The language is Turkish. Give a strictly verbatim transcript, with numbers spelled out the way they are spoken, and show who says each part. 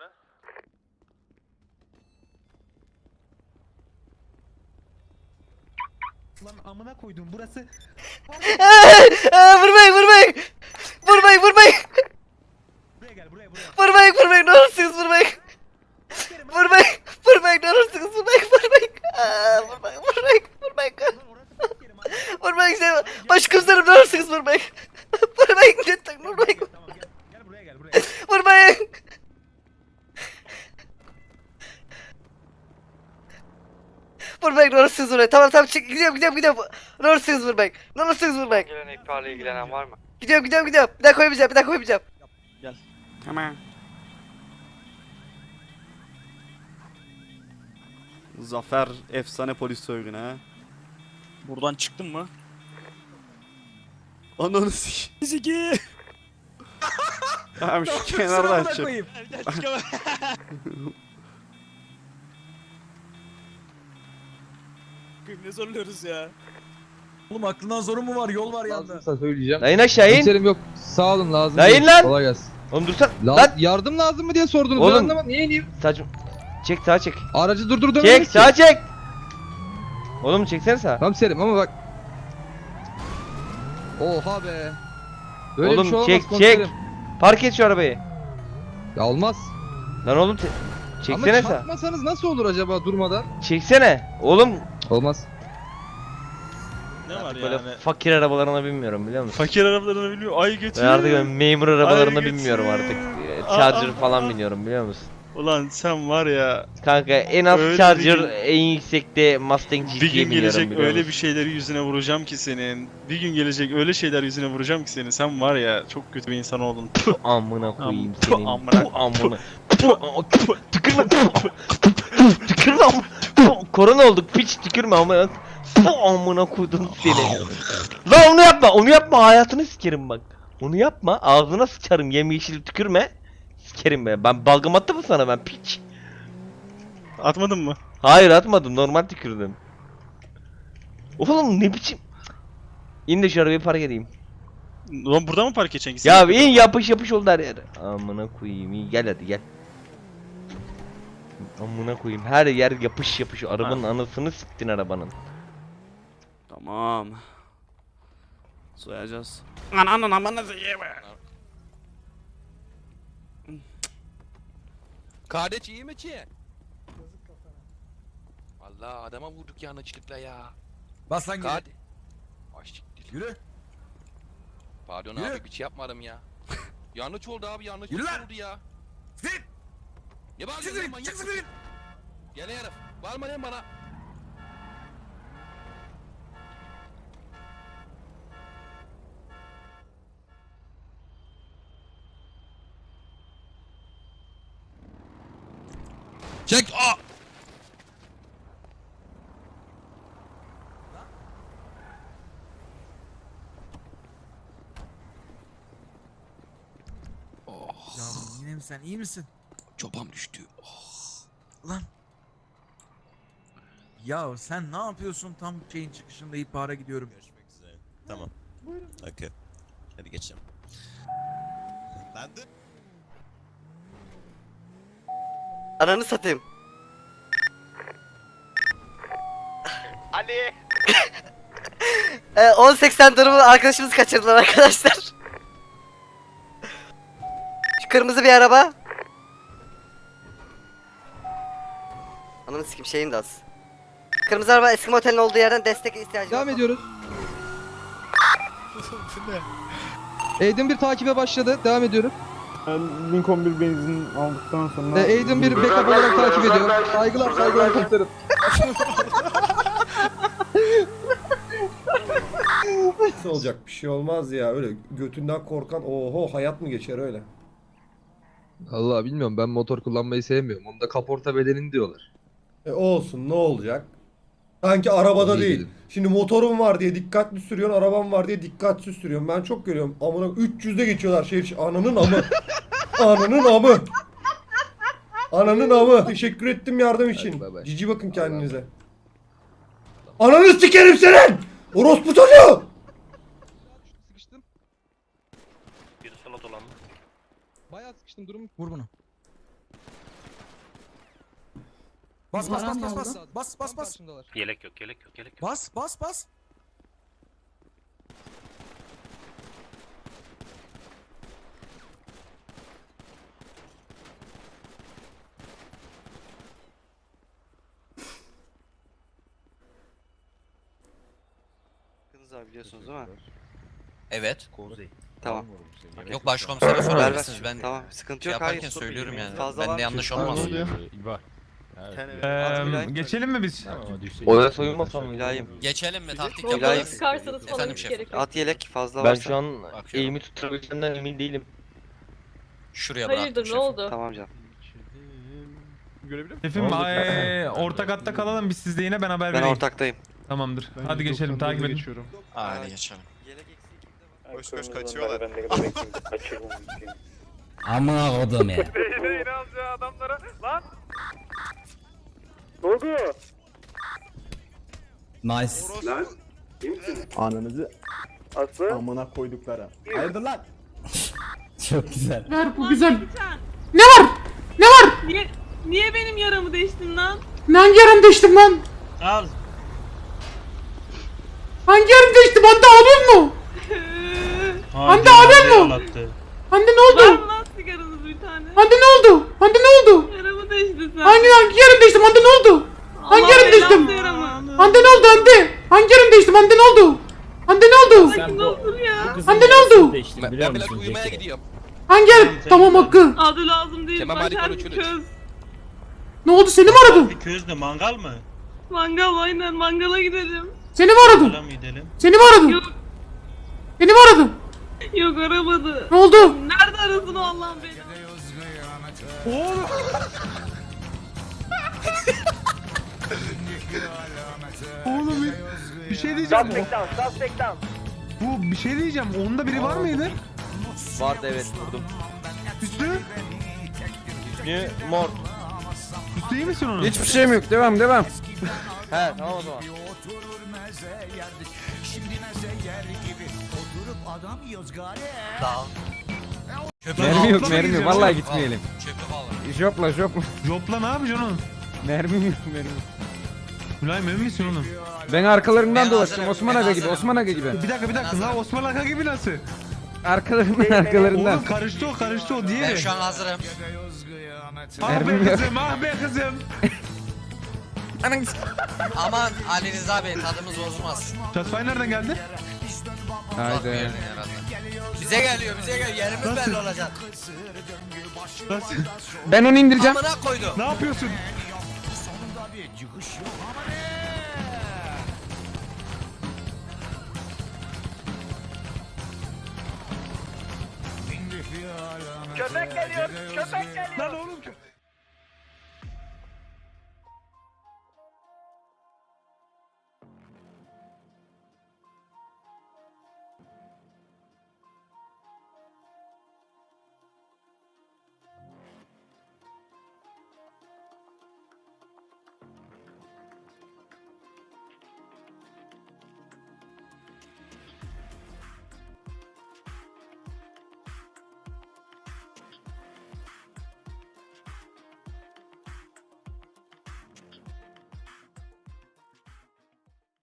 Speaker 1: ucuna.
Speaker 2: Lan amına koydum burası.
Speaker 3: Vurmayın vurmayın. Vurmayın vurmayın.
Speaker 2: Buraya gel buraya buraya.
Speaker 3: Vurmayın vurmayın ne olursunuz vurmayın. Vurmayın vurmayın ne olursunuz vurmayın vurmayın. Aa, vurmayın vurmayın vurmayın. Vurmayın işte. Başkomiserim ne olursunuz vurmayın. Vurmayın lütfen vurmayın.
Speaker 2: Tamam gel. Gel buraya gel buraya.
Speaker 3: Vurmayın. Vurmayın ne olursunuz vurmayın. Tamam tamam çık gidiyorum gidiyorum gidiyorum. Ne olursunuz vurmayın. Ne olursunuz vurmayın.
Speaker 1: Gelen ihbarla ilgilenen var mı?
Speaker 3: Gidiyorum gidiyorum gidiyorum. Bir daha koymayacağım bir daha koymayacağım.
Speaker 4: Tamam. Zafer efsane polis soygunu ha.
Speaker 5: Buradan çıktın mı?
Speaker 4: Ananı sik.
Speaker 5: Zeki.
Speaker 4: Tamam şu kenardan çık.
Speaker 5: Gel gel çıkamam. Ne zorluyoruz ya?
Speaker 2: Oğlum aklından zoru mu var? Yol var yanda.
Speaker 6: Lazımsa söyleyeceğim.
Speaker 3: Dayın aşağı in.
Speaker 6: Komiserim yok. Sağ olun lazım.
Speaker 3: Dayın
Speaker 6: değil.
Speaker 3: lan!
Speaker 6: Kolay gelsin.
Speaker 3: Oğlum dursan.
Speaker 6: La
Speaker 3: Lan.
Speaker 6: yardım lazım mı diye sordunuz.
Speaker 3: Oğlum.
Speaker 6: Ben anlamadım. Niye ineyim?
Speaker 3: Saçma. Çek sağa çek.
Speaker 6: Aracı durdurdum.
Speaker 3: Çek sağa çek. Oğlum çeksene sağa.
Speaker 6: Komiserim ama bak. Oha be. Böyle
Speaker 3: Oğlum
Speaker 6: bir şey olmaz
Speaker 3: çek,
Speaker 6: komiserim.
Speaker 3: çek. Park et şu arabayı.
Speaker 6: Ya olmaz.
Speaker 3: Lan oğlum te- çeksene
Speaker 6: Ama
Speaker 3: sağa.
Speaker 6: çarpmasanız nasıl olur acaba durmadan?
Speaker 3: Çeksene. Oğlum
Speaker 6: Olmaz.
Speaker 5: Ne var
Speaker 3: böyle
Speaker 5: yani?
Speaker 3: fakir arabalarına binmiyorum biliyor musun?
Speaker 5: Fakir arabalarını biliyor. Ay götür.
Speaker 3: Ben artık böyle memur arabalarına
Speaker 5: Ay,
Speaker 3: binmiyorum
Speaker 5: götür.
Speaker 3: artık. Ee,
Speaker 5: Aa,
Speaker 3: Charger
Speaker 5: aa,
Speaker 3: falan
Speaker 5: aa.
Speaker 3: biniyorum biliyor musun?
Speaker 5: Ulan sen var ya.
Speaker 3: Kanka en az
Speaker 5: Öyle
Speaker 3: Charger
Speaker 5: bir gün-
Speaker 3: en yüksekte Mustang G T'ye
Speaker 5: Bir gün
Speaker 3: biniyorum
Speaker 5: gelecek
Speaker 3: biliyor
Speaker 5: öyle
Speaker 3: musun?
Speaker 5: bir şeyleri yüzüne vuracağım ki senin. Bir gün gelecek öyle şeyler yüzüne vuracağım ki senin. Sen var ya çok kötü bir insan oldun. Puh.
Speaker 3: Amına koyayım
Speaker 5: Am-
Speaker 3: senin.
Speaker 5: amına-
Speaker 3: Puh, amına. Puh, puh, Tükürme. Puh, puh, Tükürme. am- Puh, Korona olduk piç tükürme amına. Puh, amına koydum seni. Lan onu yapma onu yapma hayatını sikerim bak. Onu yapma ağzına sıçarım yemyeşil tükürme. Sikerim be ben balgam attım mı sana ben piç.
Speaker 5: Atmadın mı?
Speaker 3: Hayır atmadım normal tükürdüm. Oğlum ne biçim. İn de şu arabayı park edeyim.
Speaker 5: Ulan burada mı park edeceksin?
Speaker 3: Ya in yapış yapış oldu her yer. Amına koyayım iyi gel hadi gel. Amına koyayım her yer yapış yapış. Arabanın anasını siktin arabanın.
Speaker 4: Tamam. Soyacağız. Ananın amanızı yeme.
Speaker 7: Kardeş iyi mi ki? Vallahi adama vurduk yanlışlıkla ya.
Speaker 2: Bas lan geri.
Speaker 7: Kardeş. Aşık
Speaker 2: Yürü.
Speaker 7: Pardon
Speaker 2: Yürü.
Speaker 7: abi bir şey yapmadım ya. Yanlış oldu abi yanlış
Speaker 2: Yürü lan.
Speaker 7: oldu ya.
Speaker 2: Zil.
Speaker 7: Ne bağırıyorsun
Speaker 2: Çık
Speaker 7: lan
Speaker 2: zil.
Speaker 7: manyak
Speaker 2: Çık
Speaker 7: mısın?
Speaker 2: zil.
Speaker 7: Gel herif. Bağırma lan bana.
Speaker 2: Çek. Aa.
Speaker 7: Oh.
Speaker 2: Yavrum yine mi sen iyi misin?
Speaker 7: Çopam düştü.
Speaker 2: Lan. Ya sen ne yapıyorsun tam şeyin çıkışında ihbara gidiyorum.
Speaker 8: Görüşmek üzere. Tamam. Okey. Hadi geçelim. Ben de
Speaker 3: Ananı satayım.
Speaker 1: Ali!
Speaker 3: Ee, on seksen durumu arkadaşımız kaçırdılar arkadaşlar. Şu kırmızı bir araba. Ananı sikim şeyim de az. Kırmızı araba eski motelin olduğu yerden destek ihtiyacı
Speaker 6: Devam
Speaker 3: var.
Speaker 6: ediyoruz. Aiden bir takibe başladı. Devam ediyoruz.
Speaker 9: Ben Lincoln bir benzin aldıktan sonra...
Speaker 6: Ee, Aiden bir backup olarak takip ediyor. Saygılar saygılar komiserim.
Speaker 10: Nasıl olacak bir şey olmaz ya öyle götünden korkan oho hayat mı geçer öyle.
Speaker 6: Allah bilmiyorum ben motor kullanmayı sevmiyorum. Onda kaporta bedelini diyorlar.
Speaker 10: E olsun ne olacak? Sanki arabada
Speaker 6: İyi
Speaker 10: değil.
Speaker 6: dedim.
Speaker 10: Şimdi motorum var diye dikkatli sürüyorsun, arabam var diye dikkatsiz sürüyorsun. Ben çok görüyorum. Amına üç yüzde geçiyorlar şehir içi. Ananın amı. Ananın amı. Ananın amı. Teşekkür ettim yardım için.
Speaker 6: bay bay.
Speaker 10: Cici bakın
Speaker 6: Allah'a
Speaker 10: kendinize. Ananı sikerim senin! Orospu çocuğu!
Speaker 6: Sıkıştım.
Speaker 1: Bir sola dolanma.
Speaker 6: Bayağı sıkıştım durum.
Speaker 2: Vur bunu. Bas bas bas bas bas. Bas bas bas.
Speaker 6: Karşımdalar.
Speaker 4: Yelek yok yelek yok yelek yok.
Speaker 2: Bas bas bas.
Speaker 1: Abi biliyorsunuz değil mi?
Speaker 8: Evet.
Speaker 1: Tamam.
Speaker 8: Yok başkomisere
Speaker 1: Ver
Speaker 8: sorabilirsiniz.
Speaker 1: ver.
Speaker 8: Ben
Speaker 1: Tamam sıkıntı
Speaker 8: şey
Speaker 1: yok.
Speaker 8: yaparken
Speaker 1: Hayır.
Speaker 8: söylüyorum yani.
Speaker 1: Fazla
Speaker 8: Bende
Speaker 1: var.
Speaker 8: yanlış
Speaker 1: Tamam,
Speaker 8: olmaz.
Speaker 1: oluyor.
Speaker 9: Eee geçelim mi biz?
Speaker 6: Oya soyulmasam mı?
Speaker 1: Mülayim.
Speaker 8: Geçelim mi? Taktik
Speaker 1: Mülayim.
Speaker 8: yapalım.
Speaker 11: Sıkarsanız falan
Speaker 8: Efendim
Speaker 11: hiç
Speaker 8: şef.
Speaker 11: gerek yok.
Speaker 1: At yelek fazla
Speaker 6: Ben
Speaker 1: varsa.
Speaker 6: şu an
Speaker 8: Bakıyorum.
Speaker 6: eğimi tutturabileceğimden emin değilim.
Speaker 8: Şuraya bıraktım
Speaker 11: Hayırdır ne
Speaker 8: şefim.
Speaker 11: oldu?
Speaker 1: Tamam canım.
Speaker 9: Şefim eee, ortak hatta kalalım biz sizde yine ben haber
Speaker 1: Ben
Speaker 9: vereyim.
Speaker 1: ortaktayım.
Speaker 9: Tamamdır. Hadi geçelim takip edin.
Speaker 8: Hadi geçelim.
Speaker 1: Yelek eksiği kimde var?
Speaker 8: Koş koş kaçıyorlar.
Speaker 7: Amına kodum ya. Nice.
Speaker 9: Ananızı amına koyduklara. Hayırdır lan?
Speaker 7: Çok güzel.
Speaker 11: Ver bu güzel. Ne var? Ne var? Niye, niye benim yaramı değiştin lan? Hangi yaramı değiştim lan?
Speaker 5: Al.
Speaker 11: Hangi yaramı değiştim? Hande ağlıyor mu? Hande ağlıyor mu? Hande ne oldu? Var mı lan sigaranız bir tane? Hande ne oldu? Hande ne oldu? Yaramı değişti sen. Hangi hangi yaram değiştim? Hande ne oldu? Hangi yaram değiştim? Hande ne oldu Hande? Hangi yaram değiştim? Hande ne oldu? Hande ne oldu? Sakin olsun ya. Hande ne oldu?
Speaker 7: Ben, ben biraz uyumaya gidiyorum.
Speaker 11: Hangi yaram? Tamam Hakkı.
Speaker 1: Adı lazım değil.
Speaker 7: Kemal Malik onu çürüt.
Speaker 11: Ne oldu? Seni mi aradı?
Speaker 5: Közde mangal mı?
Speaker 1: Mangal aynen mangala gidelim.
Speaker 11: Seni mi aradı?
Speaker 5: Mangala mı gidelim?
Speaker 11: Seni mi aradı?
Speaker 1: Yok.
Speaker 11: Seni mi aradı?
Speaker 1: Yok aramadı.
Speaker 11: Ne oldu?
Speaker 1: Nerede arasın o Allah'ın beni?
Speaker 9: Oğlum bir, bir şey diyeceğim. Bu bir şey diyeceğim. Onda biri var mıydı?
Speaker 3: Vardı evet vurdum.
Speaker 9: Üstü?
Speaker 3: Ne? Mor.
Speaker 9: Üstü iyi misin onun?
Speaker 3: Hiçbir şeyim yok. Devam devam. He tamam o zaman.
Speaker 8: Mermi
Speaker 9: yok, mermi yok. Vallahi
Speaker 8: gitmeyelim. Çöpü bağla.
Speaker 3: Jopla jopla.
Speaker 9: Jopla ne yapacaksın oğlum?
Speaker 3: Mermi yok mermi.
Speaker 9: Mülayim emin misin oğlum?
Speaker 3: Ben arkalarından
Speaker 8: Ben
Speaker 3: dolaştım
Speaker 8: hazırım,
Speaker 3: Osman
Speaker 8: ben
Speaker 3: Aga gibi
Speaker 8: hazırım.
Speaker 3: Osman Aga gibi.
Speaker 9: Bir dakika bir dakika. La Osman Aka gibi nasıl?
Speaker 3: Arkalarından arkalarından.
Speaker 9: Oğlum karıştı o karıştı o
Speaker 8: Ben
Speaker 9: diğeri.
Speaker 8: şu an hazırım.
Speaker 9: Ah
Speaker 3: Mermim
Speaker 9: be
Speaker 3: yok.
Speaker 9: kızım ah be kızım.
Speaker 8: Aman Ali Rıza Bey tadımız bozulmaz.
Speaker 9: Shotfire nereden geldi?
Speaker 8: Uzak bir
Speaker 3: Haydi.
Speaker 8: yerden herhalde. Bize geliyor bize geliyor. Yerimiz
Speaker 9: Nasıl?
Speaker 8: belli olacak.
Speaker 9: Nasıl?
Speaker 3: Ben onu indireceğim.
Speaker 8: Amına koydum.
Speaker 9: Ne yapıyorsun? Köpek geliyor, köpek geliyor. Lan oğlum köpek.